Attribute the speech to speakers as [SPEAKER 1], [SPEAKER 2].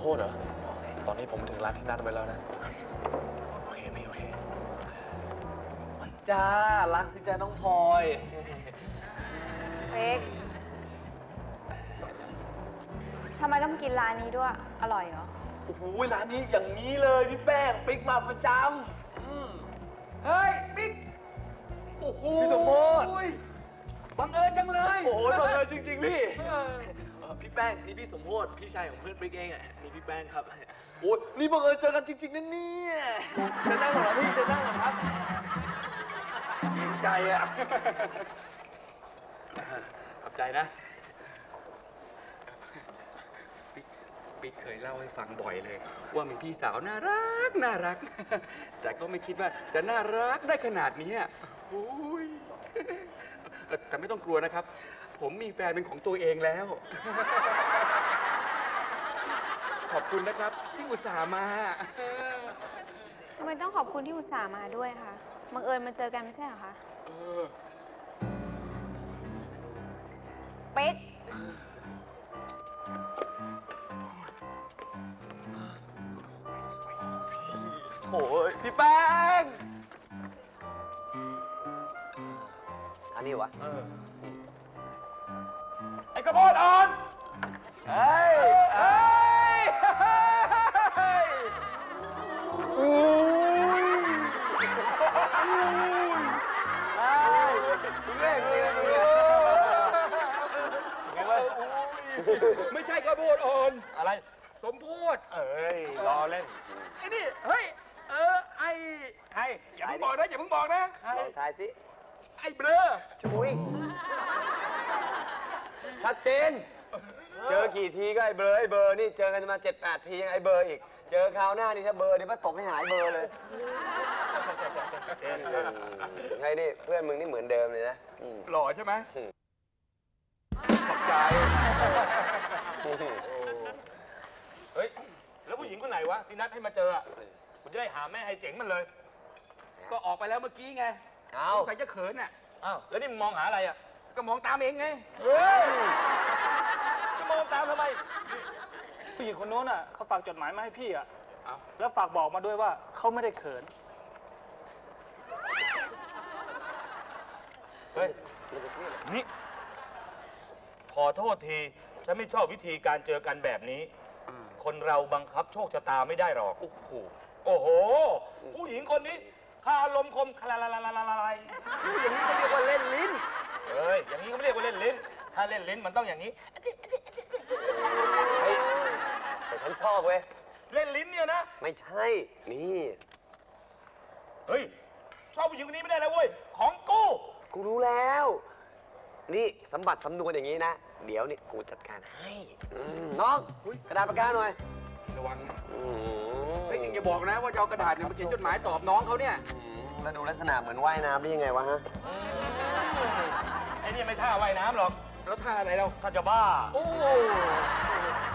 [SPEAKER 1] โพธิ์เหรอตอนนี้ผมถึงร้านที่นัดไว้แล้วนะโอเคพี่โอเคจ้ารักสิจ้าน้องพลอย
[SPEAKER 2] เป๊กทำไมต้องกินร้านนี้ด้วย อร่อยเหรอ
[SPEAKER 1] โอ้โหร้านนี้อย่างนี้เลยพี่แป้งปิ๊กมาประจำเฮ้ยปิ๊กโอ้โหพี่สมโภชบังเอิญจังเลยโอ้โหบังเอิญจริงๆพี่พี่แป้งนี่พี่สมโภชพี่ชายของเพื่อนปิ๊กเองอ่ะนี่พี่แป้งครับโอ้ยนี่บังเอิญเจอกันจริงๆนะเนี่ยเชิญนั่งหน่อยพี่เชิญนั่งหน่อยครับเกรงใจอ่ะขอบใจนะปิ๊กเคยเล่าให้ฟังบ่อยเลยว่ามีพี่สาวน่ารักแต่ก็ไม่คิดว่าจะน่ารักได้ขนาดนี้โอ้ยแต่ไม่ต้องกลัวนะครับผมมีแฟนเป็นของตัวเองแล้ว ขอบคุณนะครับที่อุตส่าห์มา
[SPEAKER 2] ทำไมต้องขอบคุณที่อุตส่าห์มาด้วยคะบังเอิญมาเจอกันไม่ใช่เหรอคะเป๊ก
[SPEAKER 1] โอ้ยพี่แป้ง
[SPEAKER 3] อันนี้วะ
[SPEAKER 1] ไอ้กระโปรงอ่อนเฮ้ยไม่ใช่กระโปรงอ่อนอะไรสมโพธิ
[SPEAKER 3] รอเล่น
[SPEAKER 1] ไอ้นี่เฮ้ยไอ้ใครอย่าเพิ่งบอกนะอย่าเพิ่งบอกนะ
[SPEAKER 3] ลองทายสิ
[SPEAKER 1] ไอ้เบลอ
[SPEAKER 3] ชุยชัดเจนเจอกี่ทีก็ไอ้เบอร์นี่เจอกันมา 7-8 ทียังไอ้เบอร์อีกเจอคราวหน้านี่ถ้าเบอร์นี่มันตกให้หายเบอร์เลยเจนไงนี่เพื่อนมึงนี่เหมือนเดิมเลยนะ
[SPEAKER 1] หล่อใช่ไหมขอบใจ
[SPEAKER 4] เฮ้ยแล้วผู้หญิงคนไหนวะที่นัดให้มาเจอคุณจะได้หาแม่ให้เจ๋งมันเลย
[SPEAKER 1] ก็ออกไปแล้วเมื่อกี้ไงใครจะเขิน
[SPEAKER 4] อ้าวแล้วนี่มึงมองหาอะไร
[SPEAKER 1] ก็มองตามเองไง
[SPEAKER 4] จะมองตามทำไม
[SPEAKER 5] ผู้หญิงคนโน้นเขาฝากจดหมายมาให้พี่แล้วฝากบอกมาด้วยว่าเขาไม่ได้เขิน
[SPEAKER 4] เฮ้ยนี่ขอโทษทีฉันไม่ชอบวิธีการเจอกันแบบนี้คนเราบังคับโชคชะตาไม่ได้หรอก
[SPEAKER 1] โอ้
[SPEAKER 4] โหผู้หญิงคนนี้คาลมคมคลาลาย
[SPEAKER 1] อย่างนี้เขาเรียกว่าเล่นลิ้น
[SPEAKER 4] อย่างนี้เขาไม่เรียกว่าเล่นลิ้นถ้าเล่นลิ้นมันต้องอย่างนี้
[SPEAKER 3] เฮ้ยแต่ฉันชอบเว้ย
[SPEAKER 4] เล่นลิ้นเนี่ยนะ
[SPEAKER 3] ไม่ใช่นี่
[SPEAKER 4] เฮ้ยชอบผู้หญิงคนนี้ไม่ได้นะเว้ยของ
[SPEAKER 3] กูรู้แล้วนี่สมบัติสำนวนอย่างนี้นะเดี๋ยวนี่กูจัดการให้น้องกระดาษปากกาหน่อย
[SPEAKER 1] ระวังเฮ้ยอย่าบอกนะว่าจะเอากระดาษมาเขียนจดหมายตอบน้องเขาเนี่ย
[SPEAKER 3] แล้วดูลักษณะเหมือนว่ายน้ำได้ยังไงวะฮะ
[SPEAKER 4] ไอ้นี่ไม่ท่าว่ายน้ำหรอก
[SPEAKER 1] แล้วท่าอะไรเรา
[SPEAKER 4] ท่าจะบ้า
[SPEAKER 1] โอ้